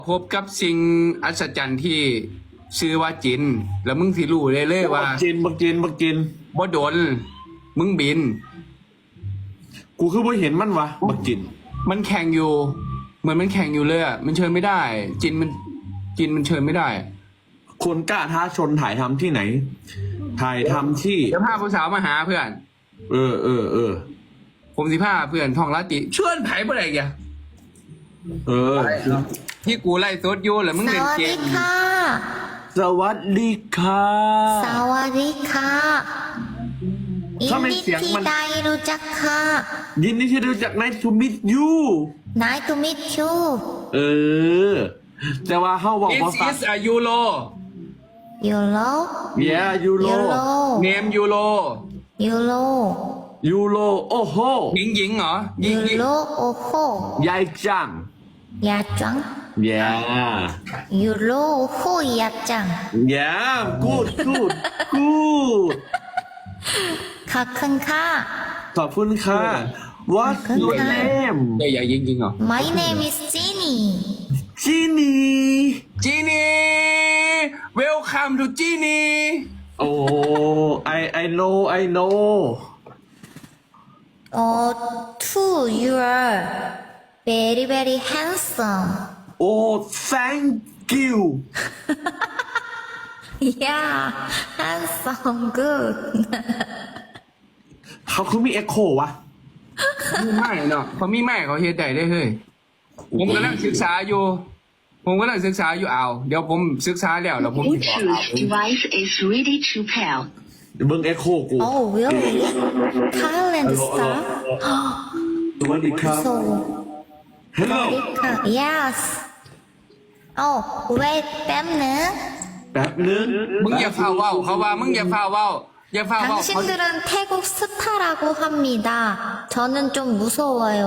พบกับสิ่งอัศจรรย์ที่ชื่อว่าจิน แล้วมึงสิรู้เลยว่าบักจินบ่โดนมึงบินกูคือบ่เห็นมันวะบักจินมันแข่งอยู่ เหมือนมันแข่งอยู่เลยอ่ะมันเชิญไม่ได้ จินมันเชิญไม่ได้คนกล้าท้าชนถ่ายทำที่ไหน ถ่ายทำที่เดี๋ยวพาผู้สาวมาหาเพื่อนเออผมสิพาเพื่อนท่องลาติชวนไผบ่ได้แก ที่กูไล่สดอยู่แล้วมึงสเล่นวัสเกดีมค่ะสวัสดีค่ะสวัสดีค่ะยินทำไมดีเสียงที่มันได้รู้จักค่ะยินดีที่รู้จัก Nice to meet you Nice to meet you เออ แต่ว่าเฮาบอก This ว่าฟัง is a Euro Euro Yeah ยูโร Euro name Euro Euro ยูโรโอ้โหหญิงเหรอหญิง Euro โอ้โหใหญ่จังยาจัง Yeah Euro โอ้โหยาจัง Yeah good ขอบคุณค่ะขอบคุณค่ะ What's ขอบคุ your ณค่ะ name ใหญ่จริงเหรอ My name is Jenny จีนี่จีนี่ welcome to จีนี่โอ้ I know Oh too you are very very handsome Oh thank you Yeah handsome good เขาคือมีเอ็กโควะมีไม่เนาะเขามีไม่เขาเฮ็ดได้เฮ้ยผมกำลังศึกษาอยู่เอาเดี๋ยวผมศึกษาแล้วผมจะบอกเอา Bluetooth device is ready to pair. เบิ้งเอ็กโคกู Oh really Thailand stuff สวัสดีครับ So Hello Yes Oh wait แป๊บนึงแป๊บนึงมึงอย่าฟ้าเว้าเขาว่ามึงอย่าฟ้าเว้าเขา 당신들은 태국 스타라고 합니다. 저는 좀 무서워요.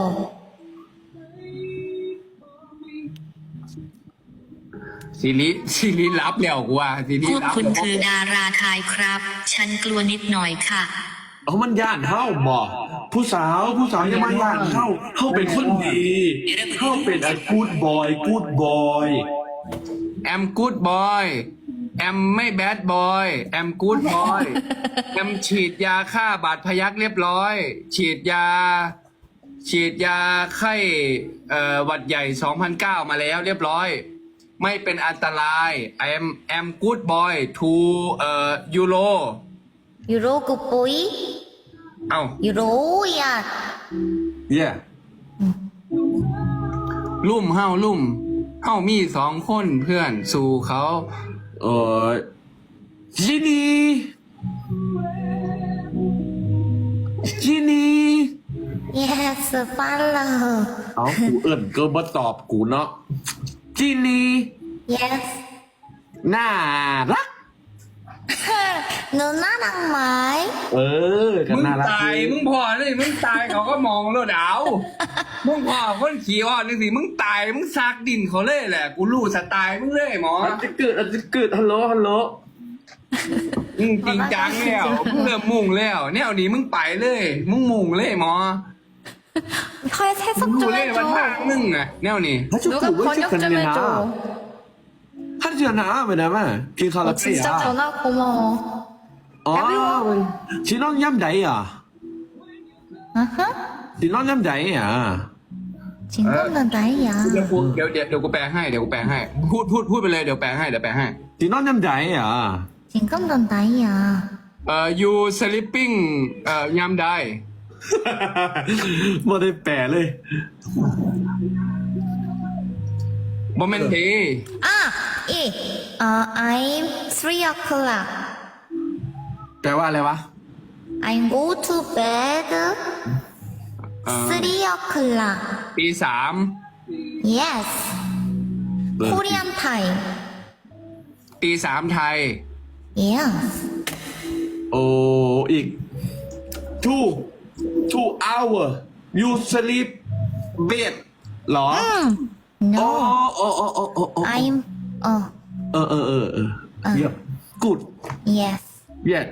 ซีรีส์รับแล้วกูว่าซีรีพส์วกรับคุณคือดาราไทยครับ ฉันกลัวนิดหน่อยค่ะเอามันย่านเข้าบ่ผู้สาวอย่ามาย่านเข้าเป็นคนดีเข้าเป็นไอ้กูดบอยแอมกูดบอยแอมไม่แบดบอยแอมกูดบอยแอมฉีดยาฆ่าบาดพยักเรียบร้อย ฉีดยาไข้หวัดใหญ่ 2009 มาแล้วเรียบร้อย ไม่เป็นอันตราย I'm good boy to Euro 유로 굿보이? เอ้า 유로야. Yeah ลุ่มเฮามี2 คนเพื่อนสู่เขาจีนี่ Yes, follow. เอากูเอิ่นก็มาตอบกูเนาะจีนี่ Yes. น่ารัก 누나랑 말. กันมึงน่ารักตายมึงพอเลยมึงตายเขาก็มองแล้วดาวมึงพอคนขี่อ่อนนึงสิมึงตายมึงซักดินเขาเลยแหละ กูรู้สไตล์มึงเลยหมออาจจะเกิดฮัลโหลมึงจริงจังแล้วมึงเริ่มมุ่งแล้วแนวนี้มึงไปเลยมึงมุ่งเลยหมอ 헐 해석 รู้ 좀 เลยว่าทาง 해줘. มึงอะแนวนี้ 누가 번역 좀 해줘. 하지않아 왜냐면 긴 진짜 전화 고마워. อ๋อชิน้องย่ำใดอ่ะ 아하. ชิน้องย่ำใดอ่ะ 진검은 나이야. เดี๋ยวกูแปลให้พูดไปเลยเดี๋ยวแปลให้ชิน้องย่ำใดอ่ะ 진검은 나이야. you sleeping ยามใดไม่ได้แปลเลยโมเมนต์ดี I'm 3 o'clock. แปลว่าอะไรวะ I go to bed 3 o'clock. ตีสาม Yes. Korean time. ตีสามไทย Yes. โอ้อีก two hour you sleep bed หรอ No. โอ้ I'm เยี่ยม good yes. yeah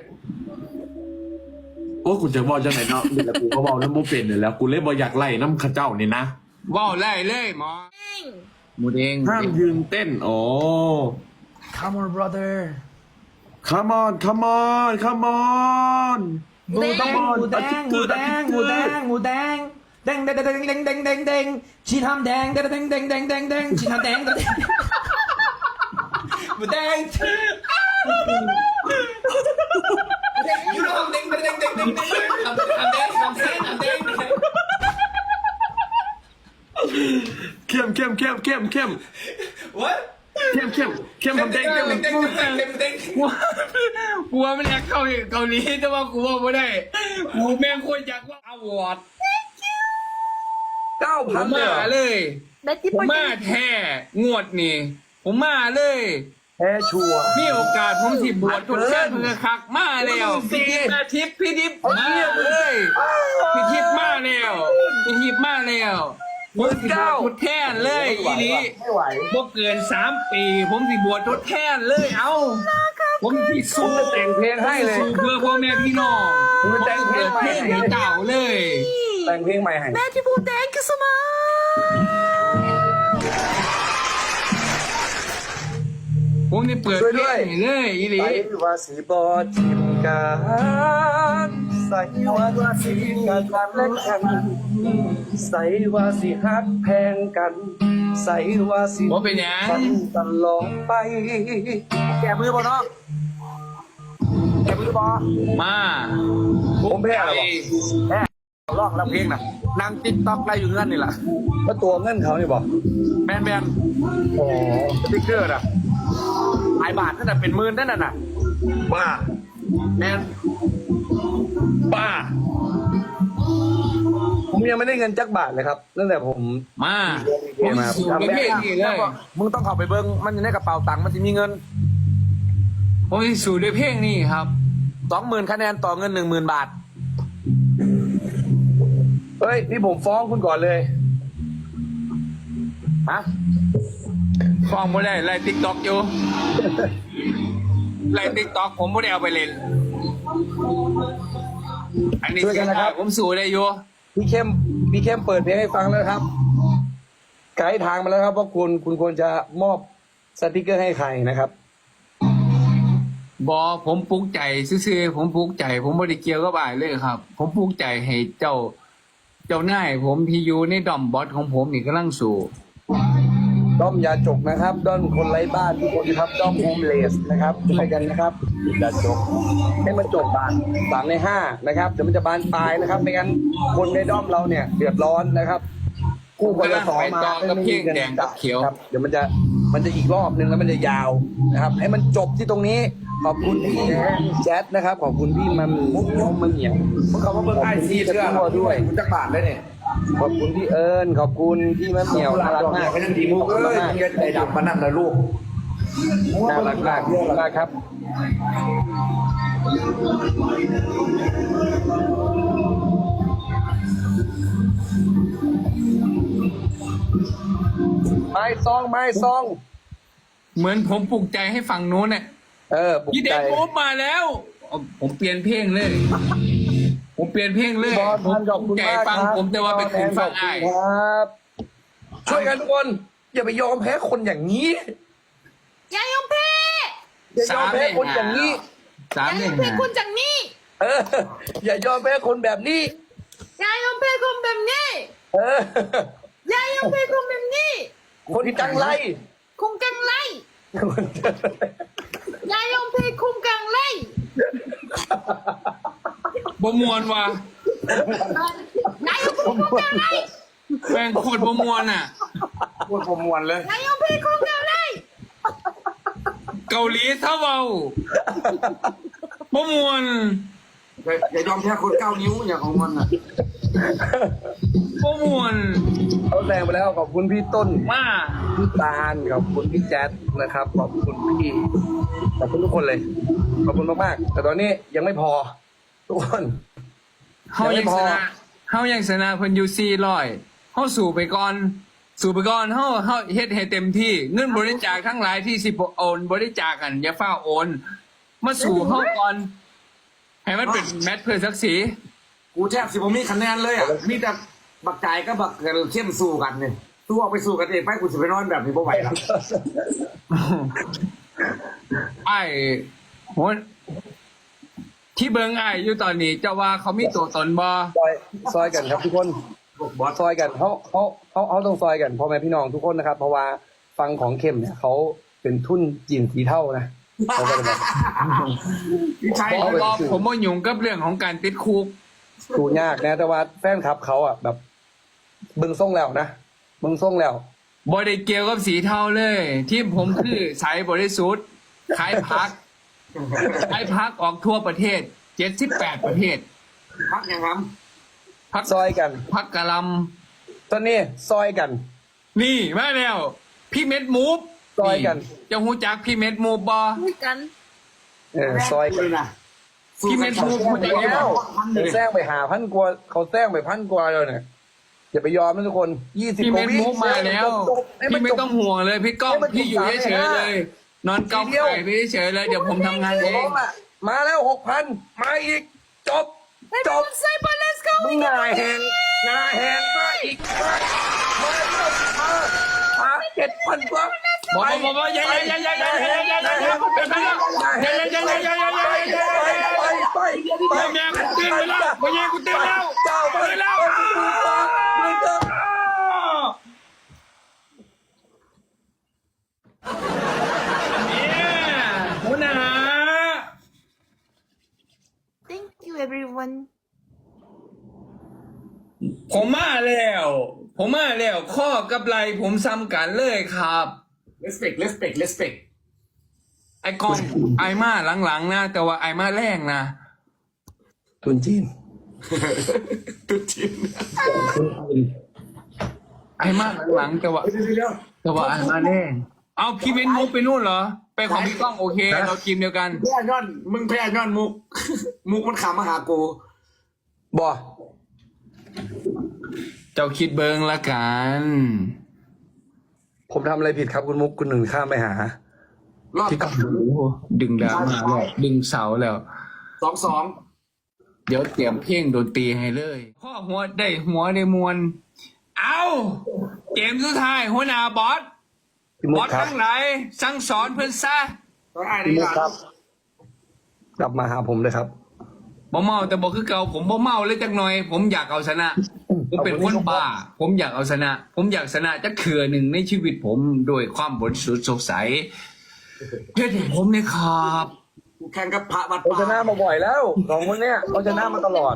โอ้กูจะบอกจังไหนเนาะเดี๋ยวกูก็บอกแล้วโมเป็นเลยแล้วกูเลยบอกอยากไล่น้ำข้าเจ้านี่นะว้าวไล่เลยหมอหมูเด้งห้ามยืนเต้นอ๋อ Come on brother come on come on come on หมูแดงหมูแดงหมูแดงหมูแดงหมูแดงแดงแดงแดงแดงแดงแดงแดงชีทำแดงแดงแดงแดงแดงแดงแดงชีทำแดงแดงหมูแดงยูโรแดงแดงแดงแดงแดงทำแดงทำแดงทำแดงเข้มเข้มเข้มเข้มเข้ม What เข้มเข้มเข้มทำแดงเข้มกูว่ามันอยากเข้าเกาหลีแต่ว่ากูว่าไม่ได้กูแม่งโคตรอยากว่าอวอร์ดผม 9,000 มาเลย ผมมาแท้งวดนี่ผมมาเลยแพ้ชัวร์มีโอกาสผมสิบวชทุกแค่เพื่อคักมาแล้วพี่ทิพย์มาเลยพี่ทิพย์มาแล้วพี่ทิพย์มาแล้วผมสิบวชทดแทนเลยอีนี้ไม่ไหวบ่เกิน3 ปี ผมสิบวชทดแทนเลยเอาผมสิสู้แต่งเพลงให้เลยสู้เพื่อพ่อแม่พี่น้องผมจะเปิดเพลงให้เจ้าเลยแต่งเพลงใหม่ให้ Beautiful, thank you so much. ผมจะเปิดเพลงให้เลยอีหลีใส่ว่าสีบอทิมกันใส่ว่าสีกันและกันใส่ว่าสีฮักแพงกัน ใส่ว่าสีบ่เป็นหยังกันตลอดไป แกมือบ่น้องแกมือบ่มาผมแพ้แล้วบ่แพ้ร้องแล้วเพลงน่ะนางติ๊กต็อกได้อยู่เงื่อนนี่แหละก็ตัวเงื่อนเขานี่บ่แบนโอ้สติ๊กเกอร์น่ะหลายบาทนั่นน่ะเป็นหมื่นนั่นน่ะบ้าแมนบ้า ผมยังไม่ได้เงินจักบาทเลยครับตั้งแต่ผมมาผมสู้ในเพลงนี้เลยมึงต้องเข้าไปเบิ้งมันอยู่ในกระเป๋าตังค์มันจะมีเงินผมจะสู้ในเพลงนี้ครับ 20,000 คะแนนต่อเงิน 10,000 บาท เฮ้ย นี่ผมฟ้องคุณก่อนเลย ฮะฟังไม่ได้ไล่ติ๊กต็อกอยู่ไล่ติ๊กต็อกผมไม่ได้เอาไปเล่นอันนี้ช่วยกันนะครับผมสู้ได้อยู่พี่เข้มเปิดเพลงให้ฟังแล้วครับ ไกด์ทางมาแล้วครับว่าคุณควรจะมอบสติกเกอร์ให้ใครนะครับบอผมปลุกใจซื่อๆผมปลุกใจ ผมไม่ได้เกี่ยวกับอะไรเลยครับ ผมปลุกใจให้เจ้านายผมที่อยู่ในดอมบอสของผมนี่กำลังสู่ด้อมยาจกนะครับด้อมคนไร้บ้านทุกคนครับด้อมโฮมเลสนะครับช่วยกันนะครับยาจกให้มันจบบาน3 ใน 5นะครับเดี๋ยวมันจะบานปลายนะครับไม่งั้นคนในด้อมเราเนี่ยเดือดร้อนนะครับกู้คนละ2 มากับเพียงแดงกับเขียวครับเดี๋ยวมันจะอีกรอบนึงแล้วมันจะยาวนะครับ ให้มันจบที่ตรงนี้ขอบคุณพี่แจ๊ดนะครับขอบคุณพี่มันมุกยมมันเหนียวมึงเขาว่าเบิ่งไอซีเชื่อตัวด้วยมึงจักบาทได้เนี่ยขอบคุณพี่เอิญขอบคุณพี่มะเหมียวน่ารักมากก็ยังดีมุกเอ้ยมึงจะใจดำมานั่นนะลูกน่ารักมากมากครับไม้ซองเหมือนผมปลุกใจให้ฝั่งนู้นเนี่ยปลุกพี่เด็ใจกผมมาแล้วผมเปลี่ยนเพลงเลย ผมเปลี่ยนเพลงเลยบอลผมขอบคุณใจมากฟังครับผมแต่ว่าไปถึงฟังไอ้ายครับ ช่วยกันทุกคน อย่าไปยอมแพ้คนอย่างนี้อย่ายอมแพ้อย่ายอมแพ้คนอย่างนี้สามอย่าหยนึ่อง มแพ้หาคนจากนี้อย่ายอมแพ้คนแบบนี้อย่ายอมแพ้คนแบบนี้เอออย่ายอมแพ้คนแบบนี้คนจังไรคงกังไรอย่ายอมแพ้คงกังไรบมวนว่ะอย่ายอมแพ้คงกังไรแม่งโคตรบมวนอ่ะพูดผมมวนเลยอย่ายอมแพ้คงกังไรเกาหลีเท่าเบาบมวนอย่ายอมแพ้คน9 นิ้วอย่างของมันอ่ะบมวนเขาแซงไปแล้วขอบคุณพี่ต้นมาพี่ตาลขอบคุณพี่แจ๊ดนะครับขอบคุณพี่ขอบคุณทุกคนเลย ขอบคุณมากๆแต่ตอนนี้ยังไม่พอ ทุกคนเฮายังชนะเฮายังชนะเพิ่นอยู่400เฮาสู่ไปก่อนเฮาเฮ็ดให้เต็มที่เงินบริจาคทั้งหลายที่สิโอนบริจาคกันอย่าฟ้าโอน มาสู่เฮาก่อนให้มันเป็นแมตช์เพื่อศักดิ์ศรีกูแทบสิผมมีคะแนนเลยอ่ะ มีแต่บักจ่ายก็บักเข้มสู้กันเนี่ยสู้ออกไปสู้กันเองไปกูจะไปนอนแบบนี้บ่ไหวแล้วไอ้โหที่เบิงไอ้อยู่ตอนนี้เจะว่าเขามีตัวตนบ่ซอยกันครับทุกคนซอยกันเขาต้องซอยกันพ่อแม่พี่น้องทุกคนนะครับ เพราะว่าฟังของเข้มเนี่ยเขาเป็นทุนจีนสีเท่านะเขาก็เลยแบบพี่ชัยผมบอกผมว่ายุ่งกับเรื่องของการติดคุกดูยากนะแต่ว่าแฟนคลับเขาอ่ะแบบเบิ่งส่งแล้วนะเบิ่งส่งแล้วบริเกี่ยวกับสีเทาเลย ที่ผมคือสายบริสุทธิ์ขายพักขายพักออกทั่วประเทศ78ประเทศพักยังครับพักซอยกันพักกะลตอนนี้ซอยกันำนี่มาแล้ว พี่เม็ดมูฟซอยกันจะหูจักพี่เม็ดมูฟบ่กันซอยกันเลยนะพี่เม็ดมูฟหูจักอยู่แล้วบ่แซงไปหาพันกว่าเขาแซงไปพันกว่าเลยเนี่ยอย่าไปยอมนะทุกคน20 พี่กเม็ว่าดวิมูฟมาแล้ว พี่ไม่ต้องห่วงเลย พี่ก้องให้มันจบพี่อยู่เฉยๆเลย นอนเกาไข่ไปเฉยๆเลยเดี๋ยวผมทำงานเองมาแล้ว 6,000 มาอีก จบ let's go มึงหน้าแหงมาอีกมา7,000กว่าบอกอย่าเป็นไปแล้วอย่าไปแม่กูตื่นไปแล้วแม่กูตื่นแล้วเจ้าไปตื่นแล้ว หัวหน้า thank you everyone ผมมาแล้วข้อกับไหลผมซ้ำกันเลยครับ respect ไอ้กองไอ้มาหลังๆนะแต่ว่าไอ้มาแรงนะทุนจีนตุ๊ดจีนไอ้มาหลังๆแต่ว่าเดี๋ยวไอ้มาแรงเอาพี่เว้นมุกไปนู่นเหรอไปของพี่ก้องโอเคเราทีมเดียวกันแพ้ย้อนมึงแพ้ย้อนมุก มุกมันขำมาหากูบ่เจ้าคิดเบิงละกันผมทำอะไรผิดครับคุณมุกคุณหนึ่งข้ามไปหารอบพี่ก้องดึงดราม่าแล้วดึงเสาแล้ว 2-2 เดี๋ยวเตรียมเพลงดนตรีให้เลยพ่อหัวได้มวลเอาเกมสุดท้ายหัวหน้าบอสพี่มุบกอสครับทั้งหลายสั่งสอนเพื่อนซะต้องอ่านพี่ดีมุกกว่าครับ กลับมาหาผมเลยครับบ่เมาแต่บอกคือเก่าผมบ่เมาเลยจักหน่อย ผมอยากเอาชนะ ผมเป็นคนบ้า ผมอยากเอาชนะ ผมอยากชนะจักเถื่อหนึ่งในชีวิตผมโดยความบริสุทธิ์สดใสเพื่อนผมเนี่ยครับกูแข่งกับพระวัดเราป่าชนะมาบ่อยแล้วสองคนเนี้ยเราชนะมาตลอด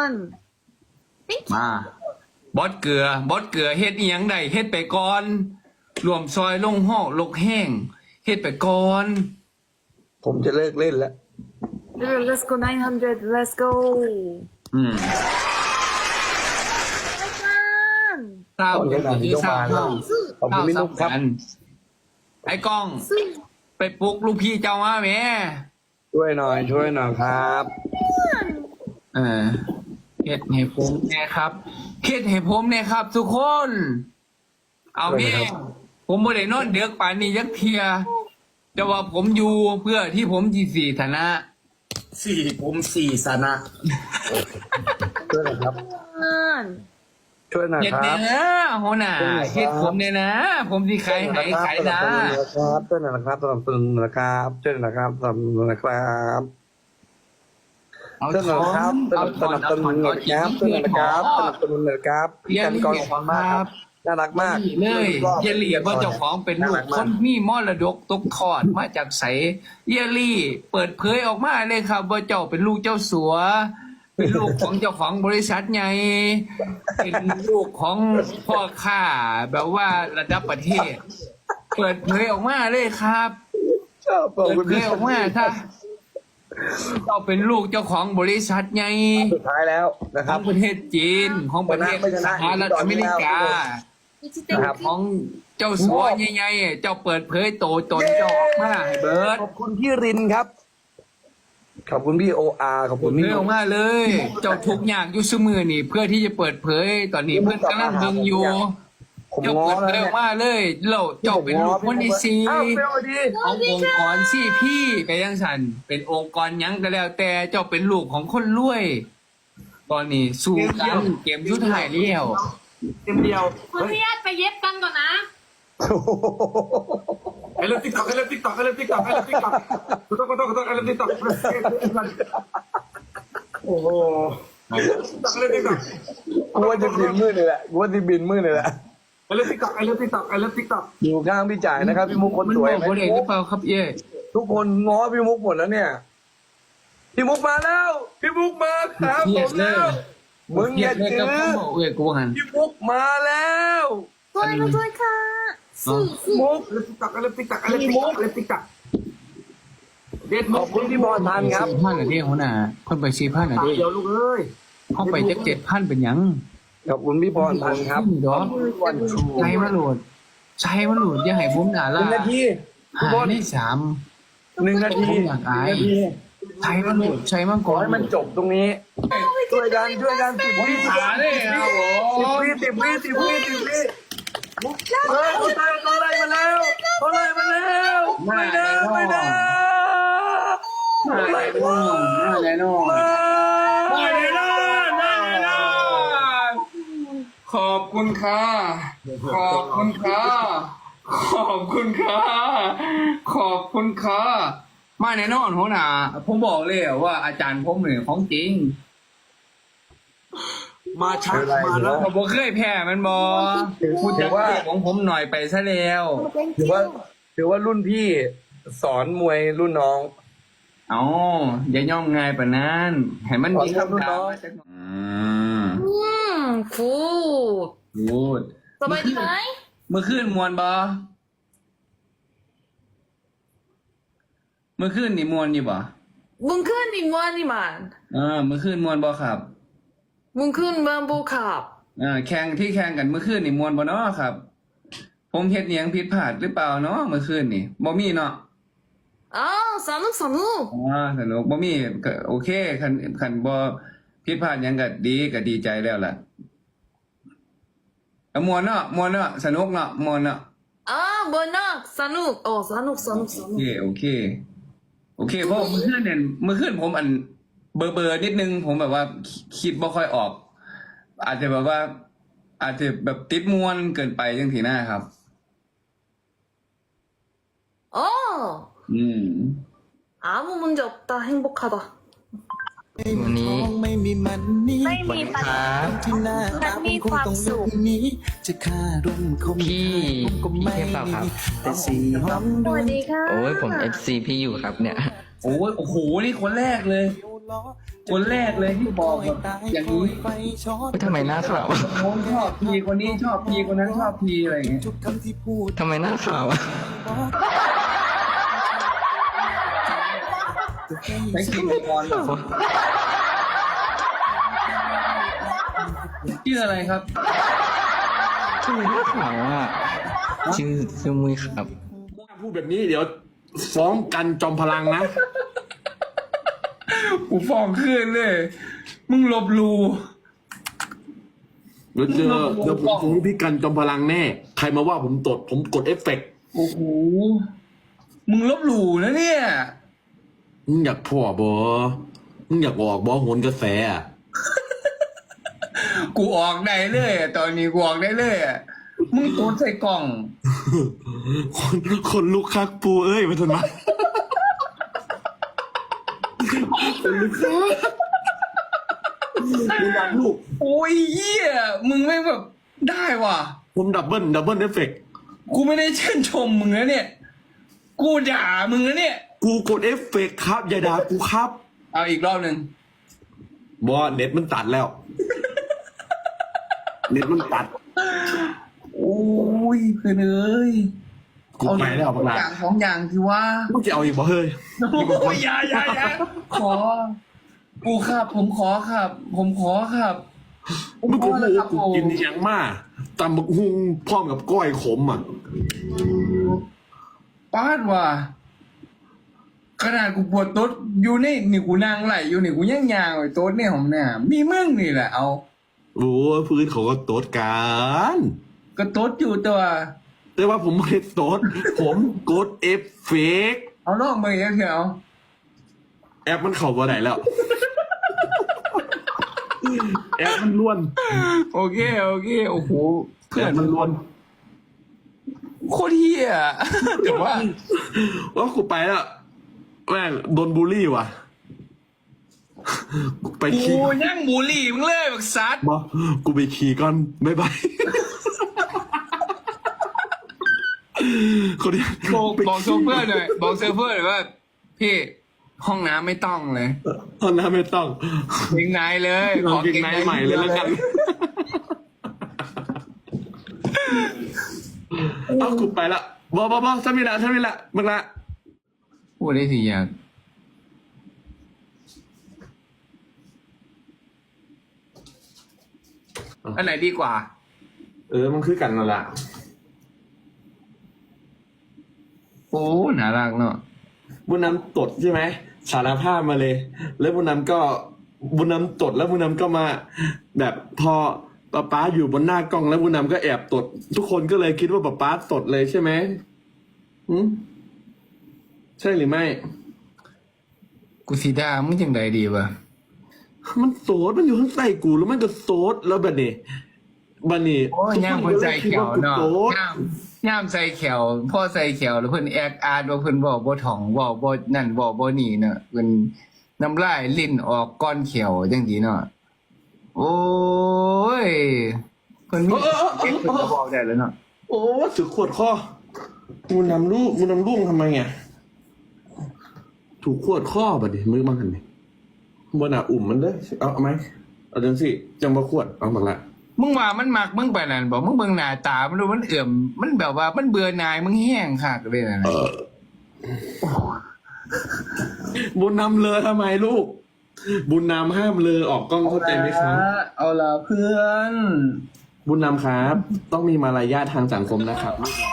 มาบอสเกลือเฮ็ดอีหยังได้เฮ็ดไปก่อนรวมซอยลงห้อลกแห้งเฮ็ดไปก่อนผมจะเลิกเล่นแล้ว let's go 900 let's go อืม Come เต้าเป็นแบบที่สร้างเต้าขอบคุณพี่นุ๊กครับไอ้กล้อง ไปปลุกลูกพี่เจ้ามาแม่ช่วยหน่อยครับเฮ็ดให้ผมแน่ครับเฮ็ดให้ผมแน่ครับ ทุกคน เอาแม่ผมบ่ได้นอนเดือกป่านนี้ยักเทียแต่ว่าผมอยู่เพื่อที่ผมจีสี่ฐานะ 4 สนะช่วยหน่อยครับ on ช่วยหน่อยเฮ็ดคแน่รับนะหัวหน้าเฮ็ดผมเนี่ยนะ ผมสิขายให้ขายนะช่วยหน่อยนะครับสนับสนุนนะครับช่วยหน่อยนะครับสนับสนุนนะครับเอาช่วยหน่อยนะครับสนับสนุนนะครับช่วยหน่อยนะครับสนับสนุนหน่อยครับพี่กันกรขอบคุณมากครับน่ารักมากเลยเยลี่ว่าเจ้าของเป็นลูกคนมีมรดกตกทอดมาจากไสเยลี่เปิดเผยออกมาเลยครับว่าเจ้าเป็นลูกเจ้าสัว เป็นลูกของเจ้าของบริษัทใหญ่เป็นลูกของพ่อค้าแบบว่าระดับประเทศ เปิดเผยออกมาเลยครับชอบขอบเปิดคุณเผพี่ยออกมาถ้าเจ้าเป็นลูกเจ้าของบริษัทใหญ่สุดท้ายแล้วนะคขรัอบ งประเทศจีนของประเทศสหรัฐอเมริกานะครับของเจ้าสัวใหญ่ๆเจ้าเปิดเผยโตตนเจ้าออกมาให้เบิร์ดขอบคุณพี่รินครับ ขอบคุณพี่โออาร์ขอบคุณเผพี่ยออกมาเลย เจ้าทุกอย่างอยู่เสมอนี่ เพื่อที่จะเปิดเผย ตอนนี้เพื่อนกำลังดึงอยู่ผมเจ้าง้อเปิดแล้วเผยอเนี่อย กมาเลยเราเจ้าเป็นลูกคนที่สี่อ้าวเปรี้ยวดีขององค์กรซี่พี่ไปยังสันเป็นองค์กรหยังก็แล้ว แต่เจ้าเป็นลูกของคนรวย ตอนนี้สู้กันเกมยุทธหายเลี้ยวเต็มเดียวคุณพี่ญาติไปเย็บกันก่อนนะไอ้เรื่องติ๊กต็อกไอ้เรื่องติ๊กต็อกไอ้เรื่องติ๊กต็อกไอ้เรื่องติ๊กต็อกขอโทษไอ้เรื่องติ๊กต็อกโอ้โหติ๊กต็อกไอ้เรื่องติ๊กต็อกกูว่าจะบินมืดเลยแหละกูว่าจะบินมืดเลยแหละไอ้เรื่องติ๊กต็อกไอ้เรื่องติ๊กต็อกไอ้เรื่องติ๊กต็อกอยู่ข้างพี่จ่ายนะครับพี่มุกคนมันสบวยอกคนเองหรือเปล่าครับเย่ทุกคนง้อพี่มุกหมดแล้วเนี่ยพี่มุกมาแล้วพี่มุกมาครับผมแล้วมึงอย่าเลยจื้กับอเขาบอกเอ้ยกูว่างั้นพี่มุกมาแล้วด้วยมาด้วยค่ะสี่สี่มุกไอ้เรื่องติ๊กต็อกไอ้เรื่องติ๊กต็อกไอ้เรื่องติ๊กต็อกไอ้เรื่องติ๊กต็อกเด็ดขอบคุณพี่บอลทันครับ 4,000เหรอเนี่ยหัวหน้าคนไป4,000เหรอตาเนี่ยเดียวลูกเอ้ยเขาไป7,000เป็นหยังขอบคุณพี่บอลทันครับดอกใช้มาโหลดใช้มาโหลดอย่าให้ผมด่าหละนึ่งนาทีพี่บอลได้3 หนึ่งนาทีผมอยากอายหนึ่งนาทีใช้มาโหลดใช้มาขก่ออนให้มันจบตรงนี้ช่วยกัน10 หาได้ครับผม 10 วิ10 วิเฮ้ยเขาไล่มาแล้วไม่ได้มาไหนน้องมาไหนน้องขอบคุณค่ะขอบคุณค่ะขอบคุณค่ะขอบคุณค่ะมาแน่นอนหัวหน้าผมบอกเลยว่าอาจารย์ผมเนี่ยของจริงมาช้ามาแล้วผมบ่เคยแพ้มันบอพูดจากเรื่องของผมหน่อยไปซะแล้วถือว่ารุ่นพี่สอนมวยรุ่นน้องอ๋ออย่าย่อมง่ายปานนั้นให้มันมีขอบคุณคำถามน้องมาสักหน่อย 굿 พูดสบายดีไหมเมื่อคืนมวนบอเมื่อคืนนี่มวนอยู่บ่มึงขึ้นอีกวันนี่มันเมื่อคืนมวนบอครับมึงขึ้นมาบูขับแข่งที่แข่งกันเมื่อคืนนี่มวนบ่เนาะครับ ผมเฮ็ดหยังผิดพลาดหรือเปล่าเนาะเมื่อคืนนี่บ่มีเนาะอ้าวสนุกสนุกสนุกบ่มีก็โอเคคันบ่ผิดพลาดหยังก็ดีใจแล้วล่ะมวนเนาะสนุกเนาะมวนเนาะอ้าวบนนักสนุกโอ้สนุกโอเคเพราะเมื่อคืนผมเบอร์นิดนึงผมแบบว่าคิดบ่ค่อยออก อาจจะแบบติดมวนเกินไปจังทีหน้าครับโอ้ 아무 문제 없다 행복하다 วันนี้ไม่มีปัญหามันมีความสุขพี่เทพเปล่าครับสวัสดีค่ะโอ้ยผม FC พี่อยู่ครับเนี่ยโอ้โหนี่คนแรกเลยที่บอกแบบอย่างนี้ทำไมหน้าขาวอะโน้นชอบพีคนนี้ชอบพีคนนั้นชอบพีอะไรอย่างเงี้ยทำไมหน้าขาวอะใช้กินก่อนชื่ออะไรครับทำไมหน้าขาวอะชื่อมุ้ยครับพูดแบบนี้เดี๋ยวฟ้องกันจอมพลังนะกูฟ้องขึ้นเลย มึงลบหลูเดี๋ยวผมฟ้องพี่กันจอมพลังแน่ ใครมาว่าผมตดผมกดเอฟเฟกต์โอ้โหมึงลบหลูนะเนี่ยมึงอยากพ่อบอมึงอยากออกบอโหนกระแสอะกูออกได้เลยอะตอนนี้กูออกได้เลยอะมึงตูดใส่กล่องคนลุกคักปูเอ้ยมาทนมาคนลุกคักมึงอยากลูกโอ้ยเหี้ยมึงไม่แบบได้ว่ะผมดับเบิลเอฟเฟกต์กูไม่ได้ชื่นชมมึงนะเนี่ย กูด่ามึงนะเนี่ยกูกดเอฟเฟกต์ครับอย่าด่ากูครับเอาอีกรอบหนึ่งบอเน็ตมันตัดแล้ว เน็ตมันตัดโอ้ยเพื่อนเอ้ยกูไปแล้วบังลาอย่างสองอย่างที่ว่ามึงจะเอาอีกบ่เฮ้ยโอ้ยอย่าขอกูครับ ผมขอครับ ผมขอครับมึงกูแล้วครับกูกินอหยังมาตำบักฮุงพร้อมกับก้อยขมอ่ะป้าดว่ะขนาดกูปวดโต๊ดอยู่นี่กูนั่งไหลอยู่นี่กูย่างยางไอ้โต๊ดเนี่ยของเนี่ยมีมึงนี่แหละเอาโอ้ยพื้นเขาก็โต๊ดกันก็โต๊ดอยู่ตัวแต่ว่าผมไม่ได้โต๊ด ผมกดเอฟเฟกต์เอาลองมาอีกเถอะแอปมันเข้าบ่ได้แล้วแอปมันล้วนโอเคโอเคโอ้โหเพื่อนมันล้วนโคตรเฮียแต่ว่าว่ากูไปแล้วแม่งโดนบูลลี่ว่ะ ไปกูขี่ยังบูลลี่มึงเลยบักซัดบอกูไปขี่ก่อนบ๊ายบายคนนี้บอกโซเฟอร์หน่อยบอกโซเฟอร์หน่อยว่าพี่ห้องน้ำไม่ต้องเลยตอนนั้นไม่ต้องเกงในเลยลองเกงในใหม่เลยแล้วกันเอากูไปละบฉันมีละมึงละพูดได้ทีอย่างอันไหนดีกว่ามันคือกันนั่นแหละโอ้น่ารักเนาะบุญนำตดใช่ไหมสารภาพมาเลย แล้วบุญนำตดแล้วบุญนำก็มา แบบพอป๊าอยู่บนหน้ากล้องแล้วบุญนำก็แอบตด ทุกคนก็เลยคิดว่าป๊าตดเลยใช่ไหมใช่หรือไม่กูสีดามึงจังใดดีวะมันโสดมันอยู่ข้างใต้กูแล้วมันก็โสดแล้วบัดนี้โอ้ยย่ามคนใส่แขวเนาะโสดย่ามใส่แขวพ่อใส่แขวแล้วเพิ่นแอกอาร์ตว่าเพิ่นบอกบ่ถ่องบอกบ่นั่นบอกบ่นี่เนาะเพิ่นน้ำลายลิ้นออกก้อนแขวจังซี่เนาะโอ้ยเพิ่นมีเก็บเพิ่นก็บอกได้แล้วเนาะโอ้ถือขวดคอบุญนำลูกทำไมอ่ะถูกขวดข้อบัดนี้มือมาหันนี่บนอุ่มมันเด้อเอาไหมเอาจังสิจังบ่ขวดเอาบักละมึงว่ามันมักมึงไปนั่นบอกมึงเบิ่งหน้าตามันดูมันเอื่อมมันแบบว่ามันเบื่อหน่ายมึงแห้งคักเลยนะบุญนำเลอทำไมลูก บุญนำห้ามเลอออกกล้องเข้าใจไหมครับเอาล่ะเพื่อนบุญนำครับ ต้องมีมารยาททางสังคมนะครับ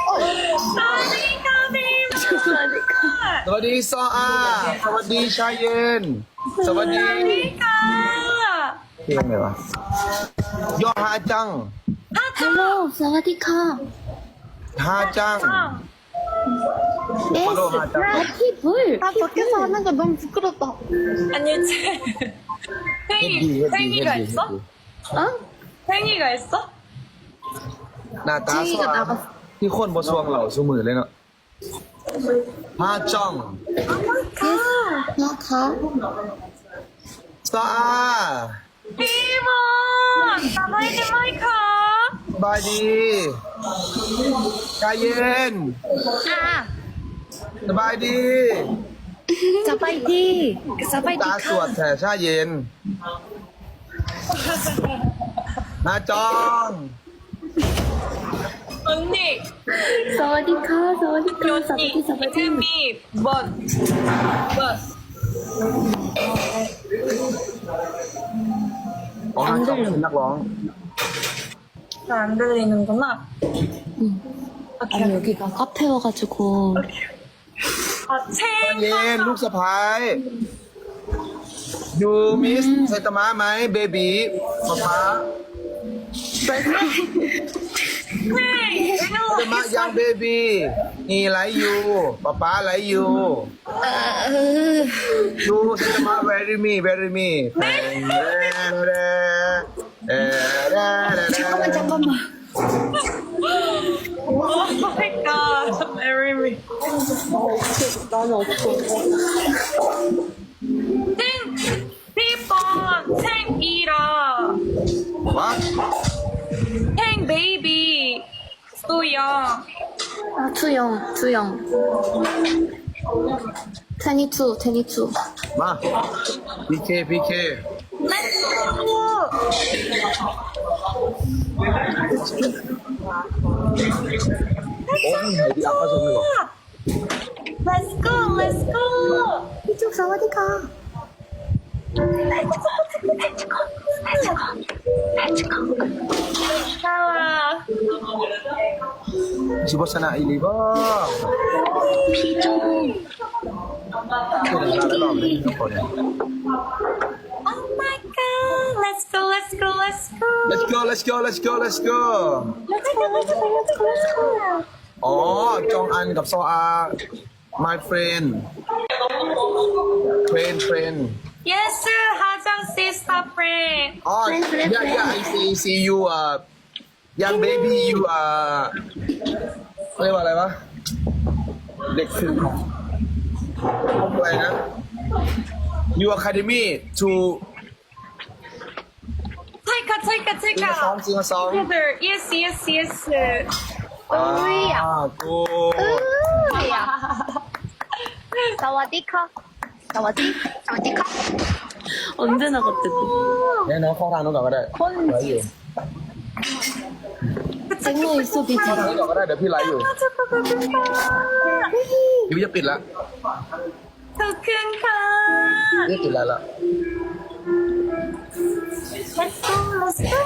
สวัสดีซออาสวัสดีชายเย็น สวัสดีเพลงอะไรวะย่อฮาจัง Hello สวัสดีค่ะฮาจัง Yes Happy Bull 아 밖에서 하는 거 너무 부끄럽다 아니, 팽이가 있어? 어? 팽이가 있어? หน้าตาสว่างที่คนบนสวงเหล่าสมือเลยเนาะฮาจัง Yes 나가 ซออา 비몬! 나바이디 마이카! สบายดีชายเย็น สบายดี 자바이디 ตาสวดแฉชาเย็นฮาจัง 언니! 사와디카 사와디카 언니! 사바디 이름이 뭔? อ๋อฮาจังเป็นนักร้อง 안 들리는구나. 아니 여기가 카페여가지고 아, ชาเย็นลูกสะพ้ายยูมิสไซตามะไหมเบบีป๊าไซตามะยังเบบีนี่ไลยูป๊าไลยูยูไซตามะ very me 잠깐만 Oh my god, marry me. 나는 없어 땡! 비번! 탱이라! What? 탱 베이비! 소영! 아 투영 테니투 มา PKโอ้ยไหนดีอ่ะเข้าชมเลยเหรอ Let's go! 이쪽 사와디카 나와! ชิบะชนะอีลีบ้า 피종 ช่วยกันตลอดเลยทุกคนเนี่ย Oh my god! Let's go! Let's go อ๋อจองอันกับซออา my friend Yes, 하장 씨! sister friend. Oh, yeah, I see you, young baby, you, เขาเรียกว่าอะไรวะ เด็กฝึกของอะไรนะ You academy to Take a sing a song. Together. Yes. Good. สวัสดีค่ะสวัสดีค่ะ 언제 나갔대 또? เนี่ยน้องเข้าทางนู้นก่อนก็ได้ไลฟ์อยู่ 쟁여 있어 비지 เข้าทางนี้ก่อนก็ได้เดี๋ยวพี่ไลฟ์อยู่พี่จะปิดละ 토큰카. พี่ปิดไลฟ์ละ Let's go.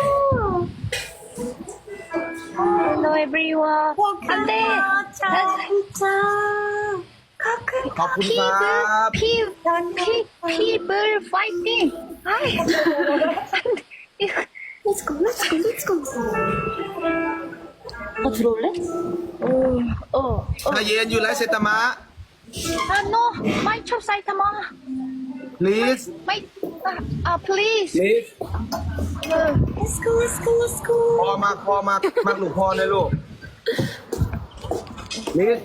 Hello everyone 안돼 진짜. ขอบคุณครับ people fighting 아이 Let's go 들어올래? 어 มาเย็นอยู่แล้วเซตามะ no my chop 사이타마 please my please please Let's go. พอมากหลูกพอเลยลูก please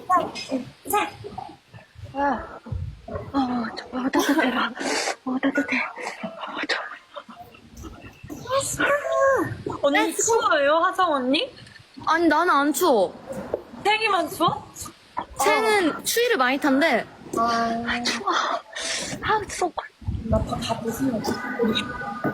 따뜻해라 따뜻해 언니 추워요, 하정 언니? 아니 나는 안 추워. 생이만 추워? 새는 추위를 많이 탄대. 추워. 속.